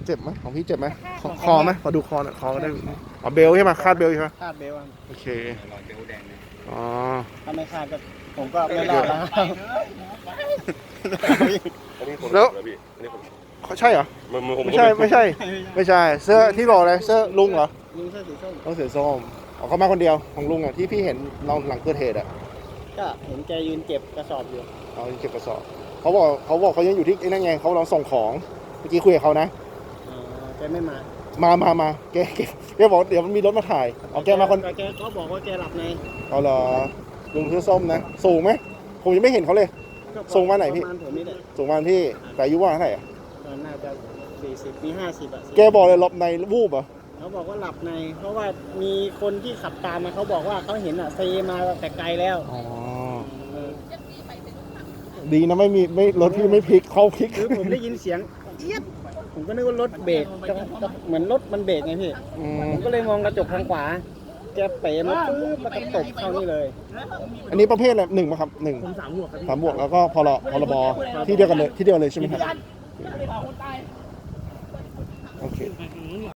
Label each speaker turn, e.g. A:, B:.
A: เจ็บไหมของพี่เจ็บไหมคอไหมขอดูคอหน่อยคอก็ได้อ๋อเบลใช่ไหมคาดเบลใช่ไหม
B: คาดเบลต์
A: โอเค
C: รอยเบลแดงเลย
A: อ๋อ
B: ถ้าไม่คาดก็ผมก็ไม่รอดแล้วครับ
D: อันนี้คน
A: แล้ว
D: พี่อันนี้คน
A: ใช่เหรอ ไม่ใช่ไม่ใช่ไม่ใช่เสื้อที่บอกอะไรเสื้อลุงเหรอ
B: ลุงเสื้อสีส้ม
A: ต้องเสือส้มอ๋อเขามาคนเดียวของลุงอ่ะที่พี่เห็นเราหลังเกิดเหตุอ่ะ
B: ก็เห็นแกยืนเก็บกระสอบอยู่
A: เราเก็บกระสอบเขายังอยู่ที่ไอ้นั่นไงเขาเราส่งของเมื่อกี้คุยกับเขานะ
B: แกไม่มา
A: มาแกบอกเดี๋ยวมันมีรถมาถ่ายเอาแกมาคน
B: แกเขาบอกว่าแกหลับใน
A: เอาเหรอลุงเสื้อส้มนะสูงไหมผมยังไม่เห็นเขาเลย ส่งมาไหนพี่
B: ประมาณผมนี่แหละ
A: สูงมาพี่แต่อายุว่าเท่าไหร่อะ
B: ตอนน่าจะ40มี50อ่ะ
A: แกบอกเลยหลบในวูบเหรอ
B: เขาบอกว่าหลับใน เพราะว่ามีคนที่ขับตามมาเขาบอกว่าเขาเห็นอ่ะเซมาแต่ไกลแล้ว
A: อ๋อ
B: เออ
A: ดีนะไม่รถพี่ไม่พลิกเขาพลิก
B: คือผมได้ยินเสียงเจี๊ยบผมก็นึกว่ารถเบรกเหมือนรถมันเบรกไงพี่
A: อืม
B: ผมก็เลยมองกระจกทางขวา แกเป๋มาปุ๊บแล้วก็ตบเข้านี่เลย
A: อันนี้ประเภทอะไร1ป่ะครับ1
B: ผม3 บวกครับพี่
A: 3 บวกแล้วก็พรบที่เดียวกันเลยใช่ไหมครับโอเค